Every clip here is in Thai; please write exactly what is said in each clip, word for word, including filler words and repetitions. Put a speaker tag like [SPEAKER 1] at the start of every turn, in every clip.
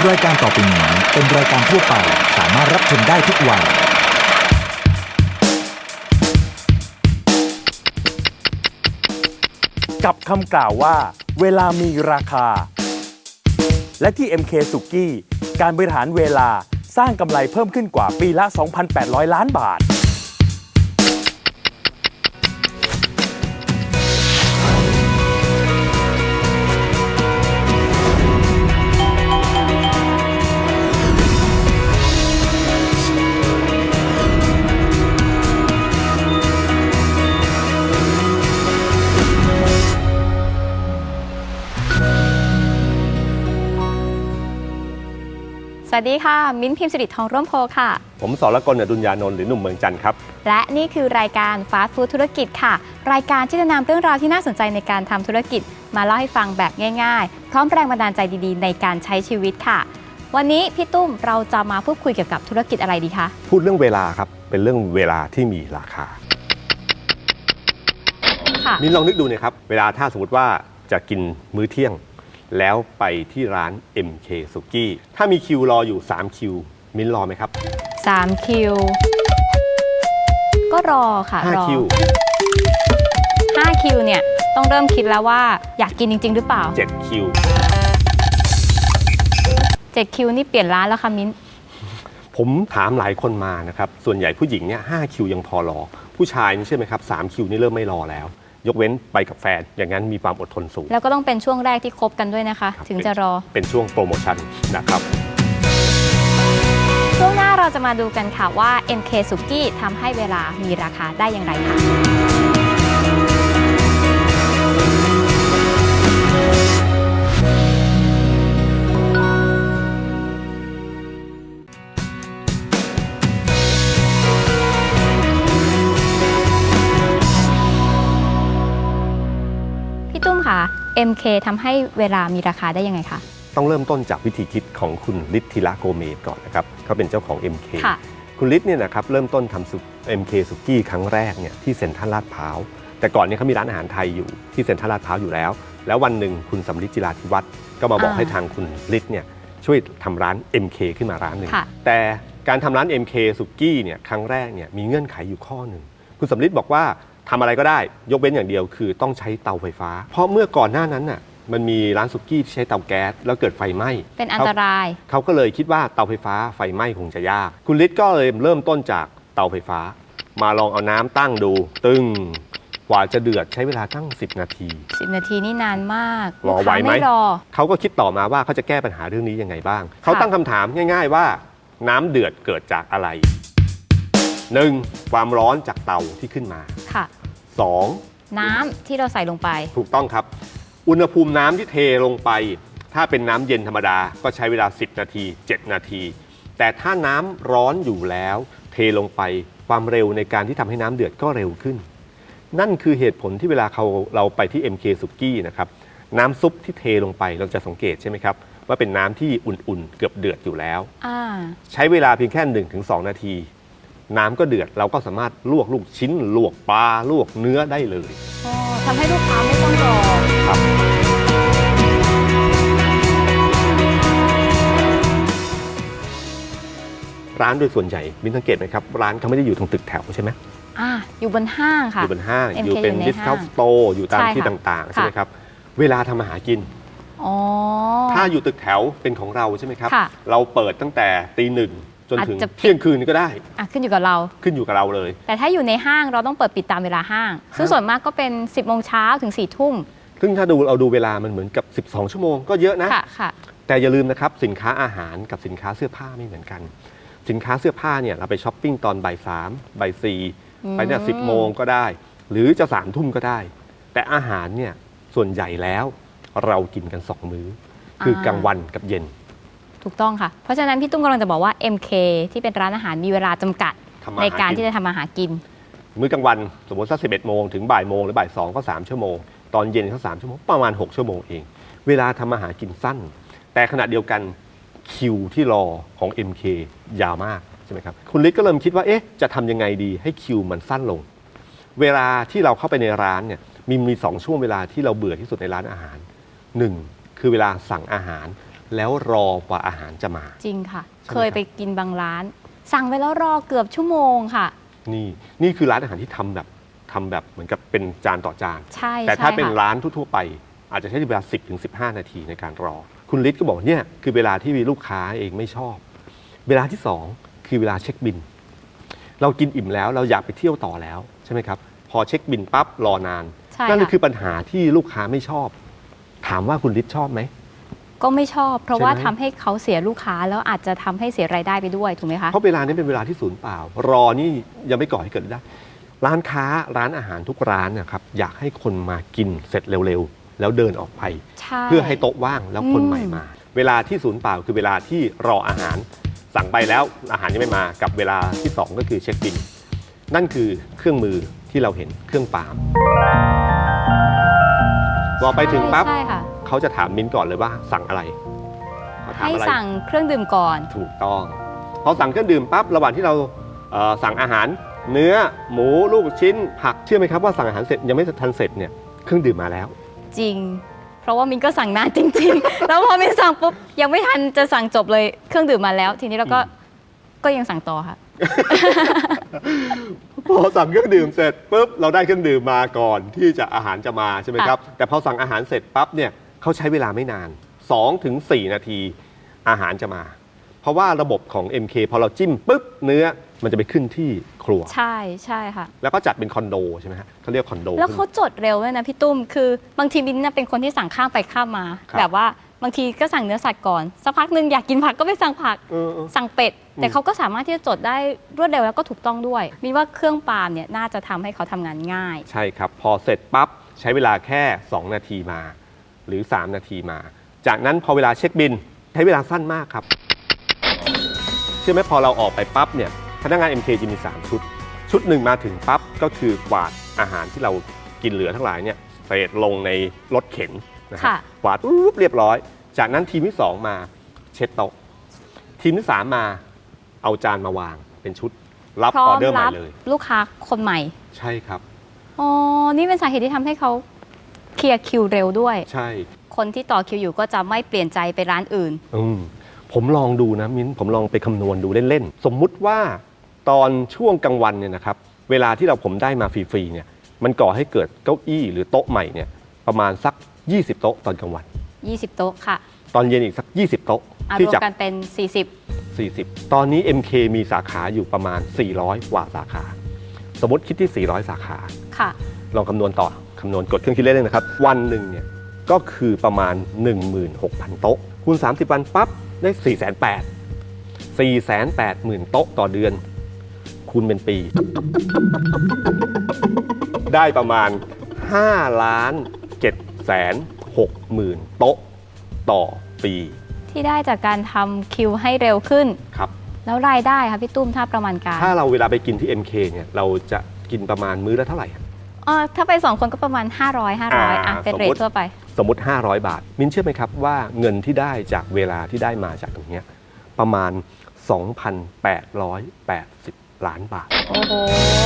[SPEAKER 1] รายการต่อไปนี้เป็นรายการทั่วไปสามารถรับชมได้ทุกวัย
[SPEAKER 2] กับคำกล่าวว่าเวลามีราคาและที่ เอ็ม เค สุกี้การบริหารเวลาสร้างกำไรเพิ่มขึ้นกว่าปีละ สองพันแปดร้อย ล้านบาท
[SPEAKER 3] สวัสดีค่ะมิ้นท์พิมพ์สิริทองร่วมโพค่ะ
[SPEAKER 2] ผมสรกล อดุลยานนท์หรือหนุ่มเมืองจันทร์ครับ
[SPEAKER 3] และนี่คือรายการฟาสต์ฟู้ดธุรกิจค่ะรายการที่จะนำเรื่องราวที่น่าสนใจในการทำธุรกิจมาเล่าให้ฟังแบบง่ายๆพร้อมแรงบันดาลใจดีๆในการใช้ชีวิตค่ะวันนี้พี่ตุ้มเราจะมาพูดคุยเกี่ยวกับธุรกิจอะไรดีคะ
[SPEAKER 2] พูดเรื่องเวลาครับเป็นเรื่องเวลาที่มีราคาค่ะมิ้นลองนึกดูนะครับเวลาถ้าสมมติว่าจะกินมื้อเที่ยงแล้วไปที่ร้าน เอ็ม เค สุกี้ถ้ามีคิวรออยู่สามคิวมิ้นรอไหมครับ
[SPEAKER 3] สามคิวก็รอค่ะ
[SPEAKER 2] ห้าคิว
[SPEAKER 3] ห้าคิวเนี่ยต้องเริ่มคิดแล้วว่าอยากกินจริงๆหรือเปล่า
[SPEAKER 2] เจ็ดคิว
[SPEAKER 3] เจ็ดคิวนี่เปลี่ยนร้านแล้วค่ะมิ้น
[SPEAKER 2] ผมถามหลายคนมานะครับส่วนใหญ่ผู้หญิงเนี่ยห้าคิวยังพอรอผู้ชายนี่ใช่ไหมครับสามคิวนี่เริ่มไม่รอแล้วยกเว้นไปกับแฟนอย่างนั้นมีความอดทนสูง
[SPEAKER 3] แล้วก็ต้องเป็นช่วงแรกที่คบกันด้วยนะคะถึงจะรอ
[SPEAKER 2] เป็นช่วงโปรโมชั่นนะครับ
[SPEAKER 3] ช่วงหน้าเราจะมาดูกันค่ะว่า เอ็ม เค สุกี้ทำให้เวลามีราคาได้อย่างไรค่ะตุ้มค่ะ เอ็ม เค ทำให้เวลามีราคาได้ยังไงคะ
[SPEAKER 2] ต้องเริ่มต้นจากวิธีคิดของคุณฤทธิระโกเมสก่อนนะครับเขาเป็นเจ้าของ เอ็ม เค คุณฤทธิ์เนี่ยนะครับเริ่มต้นทำซุป เอ็ม เค สุกี้ครั้งแรกเนี่ยที่เซ็นทรัลลาดพร้าวแต่ก่อนเนี่ยเขามีร้านอาหารไทยอยู่ที่เซ็นทรัลลาดพร้าวอยู่แล้วแล้ววันหนึ่งคุณสำลิดจิราธิวัฒน์ก็มาบอกให้ทางคุณฤทธิ์เนี่ยช่วยทำร้าน เอ็ม เค ขึ้นมาร้านหนึ่งแต่การทำร้าน เอ็ม เค สุกี้เนี่ยครั้งแรกเนี่ยมีเงื่อนไขอยู่ข้อหนึ่งคุณสำลิดบอกว่าทำอะไรก็ได้ยกเว้นอย่างเดียวคือต้องใช้เตาไฟฟ้าเพราะเมื่อก่อนหน้านั้นน่ะมันมีร้านสุกี้ที่ใช้เตาแก๊สแล้วเกิดไฟไหม้
[SPEAKER 3] เป็นอันตราย
[SPEAKER 2] เขาก็เลยคิดว่าเตาไฟฟ้าไฟไหม้คงจะยากคุณฤทธิ์ก็เลยเริ่มต้นจากเตาไฟฟ้ามาลองเอาน้ำตั้งดูตึงกว่าจะเดือดใช้เวลาตั้งสิบนาที
[SPEAKER 3] สิบนาทีนี่นานมาก
[SPEAKER 2] รอไหวไหมเขาก็คิดต่อมาว่าเขาจะแก้ปัญหาเรื่องนี้ยังไงบ้างเขาตั้งคำถามง่ายๆว่าน้ำเดือดเกิดจากอะไรหนึ่งความร้อนจากเตาที่ขึ้นมา
[SPEAKER 3] ค่ะ
[SPEAKER 2] สอง
[SPEAKER 3] น้ำที่เราใส่ลงไป
[SPEAKER 2] ถูกต้องครับอุณหภูมิน้ำที่เทลงไปถ้าเป็นน้ำเย็นธรรมดาก็ใช้เวลาสิบนาทีเจ็ดนาทีแต่ถ้าน้ำร้อนอยู่แล้วเทลงไปความเร็วในการที่ทำให้น้ำเดือดก็เร็วขึ้นนั่นคือเหตุผลที่เวลาเขาเราไปที่ เอ็ม เค สุกี้นะครับน้ำซุปที่เทลงไปเราจะสังเกตใช่ไหมครับว่าเป็นน้ำที่อุ่นๆเกือบเดือดอยู่แล้วใช้เวลาเพียงแค่ หนึ่งถึงสอง นาทีน้ำก็เดือดเราก็สามารถลวกลูกชิ้นลวกปลาลวกเนื้อได้เลย
[SPEAKER 3] อ๋อทำให้ลูกค้าไม่ต้องรอ
[SPEAKER 2] ครับร้านโดยส่วนใหญ่มินสังเกตไหมครับร้านเขาไม่ได้อยู่ตรงตึกแถวใช่ไหม
[SPEAKER 3] อ่าอยู่บนห้างค่ะ
[SPEAKER 2] อยู่บนห้างอยู่เป็นดิสคาวน์สโตร์อยู่ตามที่ต่างๆใช่ไหมครับเวลาทำอาหารกินถ้าอยู่ตึกแถวเป็นของเราใช่ไหมครับเราเปิดตั้งแต่ตีหนึ่งจนถึงเที่ยงคืนก็ได้
[SPEAKER 3] อ่ะขึ้นอยู่กับเรา
[SPEAKER 2] ขึ้นอยู่กับเราเลย
[SPEAKER 3] แต่ถ้าอยู่ในห้างเราต้องเปิดปิดตามเวลาห้างซึ่งส่วนมากก็เป็นสิบโมงเช้าถึงสี่ทุ่ม
[SPEAKER 2] ซึ่งถ้าดูเราดูเวลามันเหมือนกับสิบสองชั่วโมงก็เยอะนะ
[SPEAKER 3] ค่ะค่ะ
[SPEAKER 2] แต่อย่าลืมนะครับสินค้าอาหารกับสินค้าเสื้อผ้าไม่เหมือนกันสินค้าเสื้อผ้าเนี่ยเราไปช้อปปิ้งตอนบ่ายสามบ่ายสี่ไปเนี่ยสิบโมงก็ได้หรือจะสามทุ่มก็ได้แต่อาหารเนี่ยส่วนใหญ่แล้วเรากินกันสองมื้อคือกลางวันกับเย็น
[SPEAKER 3] ถูกต้องค่ะเพราะฉะนั้นพี่ตุ้มกำลังจะบอกว่า เอ็ม เค ที่เป็นร้านอาหารมีเวลาจำกัดในการที่จะทำอาหารกิน
[SPEAKER 2] มื้อกลางวันสมมติสักสิบเอ็ดโมงถึงบ่ายโมงหรือบ่ายสองก็สามชั่วโมงตอนเย็นก็สามชั่วโมงประมาณหกชั่วโมงเองเวลาทำอาหารกินสั้นแต่ขณะเดียวกันคิวที่รอของ เอ็ม เค ยาวมากใช่ไหมครับคุณฤทธิ์ก็เริ่มคิดว่าเอ๊ะจะทำยังไงดีให้คิวมันสั้นลงเวลาที่เราเข้าไปในร้านเนี่ยมีมีสองช่วงเวลาที่เราเบื่อที่สุดในร้านอาหารหนึ่งคือเวลาสั่งอาหารแล้วรอกว่าอาหารจะมา
[SPEAKER 3] จริงค่ะ
[SPEAKER 2] ใช่ไหม
[SPEAKER 3] เคยไปกินบางร้าน สั่งไว้แล้วรอเกือบชั่วโมงค่ะ
[SPEAKER 2] นี่นี่คือร้านอาหารที่ทำแบบทำแบบเหมือนกับเป็นจานต่อจาน
[SPEAKER 3] ใช่
[SPEAKER 2] แต่ถ้า
[SPEAKER 3] ใช่
[SPEAKER 2] เป็น
[SPEAKER 3] ค่ะ
[SPEAKER 2] ร้านทั่วๆไป อาจจะใช้เวลา สิบถึงสิบห้า นาทีในการรอ คุณฤทธิ์ก็บอกเนี่ยคือเวลาที่ลูกค้าเองไม่ชอบ เวลาที่สองคือเวลาเช็คบิน เรากินอิ่มแล้วเราอยากไปเที่ยวต่อแล้วใช่ไหมครับพอเช็คบินปั๊บรอนาน
[SPEAKER 3] ใช่
[SPEAKER 2] นั่นก็
[SPEAKER 3] ค่ะ
[SPEAKER 2] คือปัญหาที่ลูกค้าไม่ชอบ ถามว่าคุณฤทธิ์ชอบไหม
[SPEAKER 3] ก็ไม่ชอบ เพราะ
[SPEAKER 2] ใช่ไหม
[SPEAKER 3] ว่าทำให้เขาเสียลูกค้าแล้วอาจจะทำให้เสียรายได้ไปด้วยถูกไหมคะ
[SPEAKER 2] เพราะเวลานี้เป็นเวลาที่ศูนย์เปล่า รอนี่ยังไม่ก่อให้เกิดได้ ร้านค้าร้านอาหารทุกร้านเนะครับอยากให้คนมากินเสร็จเร็วๆ แล้วเดินออกไป
[SPEAKER 3] ใช่
[SPEAKER 2] เพื่อให้โต๊ะว่างแล้วคน
[SPEAKER 3] อืม
[SPEAKER 2] ใหม่มา เวลาที่ศูนย์เปล่าคือเวลาที่รออาหารสั่งไปแล้วอาหารยังไม่มากับเวลาที่สองก็คือเช็คบิน นั่นคือเครื่องมือที่เราเห็นเครื่องปาล์มพอไปถึงปั๊บ
[SPEAKER 3] ใช่ค่ะ
[SPEAKER 2] เขาจะถามมิ้นท์ก่อนเลยว่าสั่งอะไรเขาถาม
[SPEAKER 3] ให้
[SPEAKER 2] อะไร
[SPEAKER 3] สั่งเครื่องดื่มก่อน
[SPEAKER 2] ถูกต้องพอสั่งเครื่องดื่มปั๊บระหว่างที่เราเอ่อสั่งอาหารเนื้อหมูลูกชิ้น ผักเชื่อไหมครับว่าสั่งอาหารเสร็จยังไม่ทันเสร็จเนี่ยเครื่องดื่มมาแล้ว
[SPEAKER 3] จริง เพราะว่ามินก็สั่งนานจริง ๆ แล้วพอมินสั่งปุ๊บยังไม่ทันจะสั่งจบเลยเครื่องดื่มมาแล้ว ทีนี้เราก็
[SPEAKER 2] อืม
[SPEAKER 3] ก็ยังสั่งต่อค่ะ
[SPEAKER 2] พอสั่งเครื่องดื่มเสร็จปุ๊บเราได้เครื่องดื่มมาก่อนที่จะอาหารจะมาใช่ไหมครับแต่พอสั่งอาหารเสร็จปั๊บเนี่ยเขาใช้เวลาไม่นาน สองถึงสี่ นาทีอาหารจะมา เพราะว่าระบบของ เอ็ม เค พอเราจิ้มปุ๊บเนื้อมันจะไปขึ้นที่ครัว
[SPEAKER 3] ใช่ใช่ค่ะ
[SPEAKER 2] แล้วก็จัดเป็นคอนโดใช่ไหมฮะเขาเรียกคอนโด
[SPEAKER 3] แล้วเขาจดเร็วด้วยนะพี่ตุ้ม คือบางทีมินน่ะเป็นคนที่สั่งข้ามไปข้ามมา
[SPEAKER 2] ครับ
[SPEAKER 3] แบบว่าบางทีก็สั่งเนื้อสัตว์ก่อน สักพักหนึ่งอยากกินผักก็ไปสั่งผัก
[SPEAKER 2] เออเออ
[SPEAKER 3] สั่งเป็ด
[SPEAKER 2] อืม
[SPEAKER 3] แต่เขาก็สามารถที่จะจดได้รวดเร็วแล้วก็ถูกต้องด้วย มินว่าเครื่องปาล์มเนี่ยน่าจะทำให้เขาทำงานง่าย
[SPEAKER 2] ใช่ครับ พอเสร็จปั๊บใช้เวลาแค่ สอง นาทีมา หรือ สาม นาทีมา จากนั้นพอเวลาเช็คบินใช้เวลาสั้นมากครับเชื่อไหมพอเราออกไปปั๊บเนี่ยพนักงาน เอ็ม เค จะมี สาม ชุด ชุดหนึ่งมาถึงปั๊บก็คือกวาดอาหารที่เรากินเหลือทั้งหลายเนี่ยเศษลงในรถเข็นนะครับ
[SPEAKER 3] ค่ะ
[SPEAKER 2] กวาดปุ๊บเรียบร้อย จากนั้นทีมที่สองมาเช็ดโต๊ะทีมที่สามมาเอาจานมาวางเป็นชุดรับ
[SPEAKER 3] พร้อ
[SPEAKER 2] ออ
[SPEAKER 3] ม
[SPEAKER 2] เดอร์ใหม่
[SPEAKER 3] รับ
[SPEAKER 2] เลย
[SPEAKER 3] ลูกค้าคนใหม่
[SPEAKER 2] ใช่ครับ
[SPEAKER 3] อ๋อ นี่เป็นสาเหตุที่ทำให้เขาเคลียร์คิวเร็วด้วย
[SPEAKER 2] ใช่
[SPEAKER 3] คนที่ต่อคิวอยู่ก็จะไม่เปลี่ยนใจไปร้านอื่น
[SPEAKER 2] อืมผมลองดูนะมิ้นผมลองไปคำนวณดูเล่นๆ สมมุติว่าตอนช่วงกลางวันเนี่ยนะครับเวลาที่เราผมได้มาฟรีๆเนี่ยมันก่อให้เกิดเก้าอี้หรือโต๊ะใหม่เนี่ยประมาณสัก ยี่สิบ โต๊ะตอนกลางวัน
[SPEAKER 3] ยี่สิบ โต๊ะค่ะ
[SPEAKER 2] ตอนเย็นอีกสัก ยี่สิบ โต๊ะ
[SPEAKER 3] เอา
[SPEAKER 2] ที่
[SPEAKER 3] รวม
[SPEAKER 2] จาก
[SPEAKER 3] กันเป็น สี่สิบ
[SPEAKER 2] สี่สิบ ตอนนี้ เอ็ม เค มีสาขาอยู่ประมาณ สี่ร้อย กว่าสาขา สมมติคิดที่ สี่ร้อย สาขา
[SPEAKER 3] ค่ะ
[SPEAKER 2] ลองคำนวณต่อคำนวณกดเครื่องคิดเลขเลยนะครับ วันหนึ่งเนี่ยก็คือประมาณ หนึ่งหมื่นหกพัน โต๊ะคูณสามสิบ วันปั๊บได้ สี่แสนแปดหมื่น สี่แสนแปดหมื่น โต๊ะต่อเดือน คูณเป็นปี ได้ประมาณ ห้าล้านเจ็ดแสนหกหมื่น โต๊ะต่อปี
[SPEAKER 3] ที่ได้จากการทำคิวให้เร็วขึ้น
[SPEAKER 2] ครับ
[SPEAKER 3] แล้วรายได้ค่ะพี่ตุ้มถ้าประมาณการ
[SPEAKER 2] ถ้าเราเวลาไปกินที่ เอ็ม เค เนี่ยเราจะกินประมาณมื้อละเท่าไหร่
[SPEAKER 3] อ๋อถ้าไปสองคนก็ประมาณ ห้าร้อย ห้าร้อย
[SPEAKER 2] อ่า
[SPEAKER 3] อ่ะเป็น
[SPEAKER 2] สม
[SPEAKER 3] เร
[SPEAKER 2] มุ
[SPEAKER 3] ท
[SPEAKER 2] ติ
[SPEAKER 3] ทั่วไป
[SPEAKER 2] สมมติ ห้าร้อย บาท มิ้นเชื่อไหมครับว่าเงินที่ได้จากเวลาที่ได้มาจากตรงเนี้ยประมาณ สองพันแปดร้อยแปดสิบ ล้านบาท
[SPEAKER 3] โอ้โห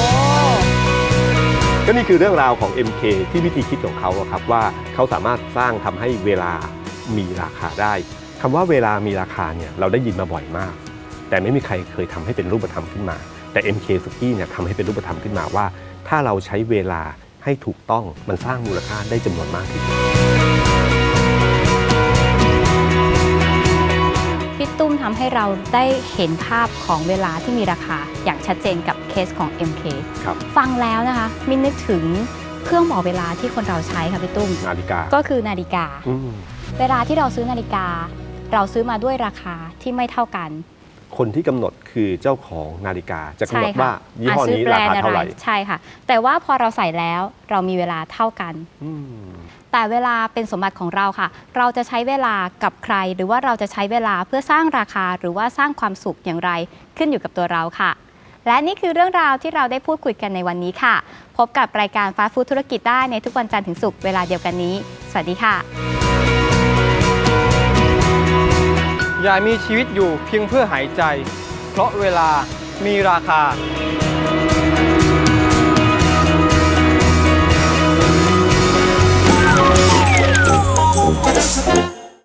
[SPEAKER 2] ก็นี่คือเรื่องราวของ เอ็ม เค ที่วิธีคิดของเขาอะครับว่าเขาสามารถสร้างทำให้เวลามีราคาได้คำว่าเวลามีราคาเนี่ยเราได้ยินมาบ่อยมาก แต่ไม่มีใครเคยทำให้เป็นรูปธรรมขึ้นมา แต่ เอ็ม เค Suki เนี่ยทำให้เป็นรูปธรรมขึ้นมาว่า ถ้าเราใช้เวลาให้ถูกต้องมันสร้างมูลค่าได้จำนวนมากที่สุด
[SPEAKER 3] พี่ตุ้มทำให้เราได้เห็นภาพของเวลาที่มีราคาอย่างชัดเจนกับเคสของ เอ็ม เค
[SPEAKER 2] ครับ
[SPEAKER 3] ฟังแล้วนะคะ มินนึกถึงเครื่องบอกเวลาที่คนเราใช้ค่ะพี่ตุ้ม
[SPEAKER 2] นาฬิกา
[SPEAKER 3] ก็คือนาฬิกา
[SPEAKER 2] อืม
[SPEAKER 3] เวลาที่เราซื้อนาฬิกา เราซื้อมาด้วยราคาที่ไม่เท่ากัน
[SPEAKER 2] คนที่กำหนดคือเจ้าของนาฬิกาจะกำหนดว่ายี่ห้อนี้
[SPEAKER 3] ะซื้แบ
[SPEAKER 2] ราคา
[SPEAKER 3] ด์
[SPEAKER 2] เท่าไหร่
[SPEAKER 3] ใช่ค่ะ แต่ว่าพอเราใส่แล้วเรามีเวลาเท่ากัน
[SPEAKER 2] อืม
[SPEAKER 3] แต่เวลาเป็นสมบัติของเราค่ะ เราจะใช้เวลากับใคร หรือว่าเราจะใช้เวลาเพื่อสร้างราคาหรือว่าสร้างความสุขอย่างไรขึ้นอยู่กับตัวเราค่ะ และนี่คือเรื่องราวที่เราได้พูดคุยกันในวันนี้ค่ะ พบกับรายการฟาสต์ฟู้ดธุรกิจได้ในทุกวันจันทร์ถึงศุกร์เวลาเดียวกันนี้ สวัสดีค่ะ
[SPEAKER 4] อย่ามีชีวิตอยู่เพียงเพื่อหายใจ เพราะเวลามีราคา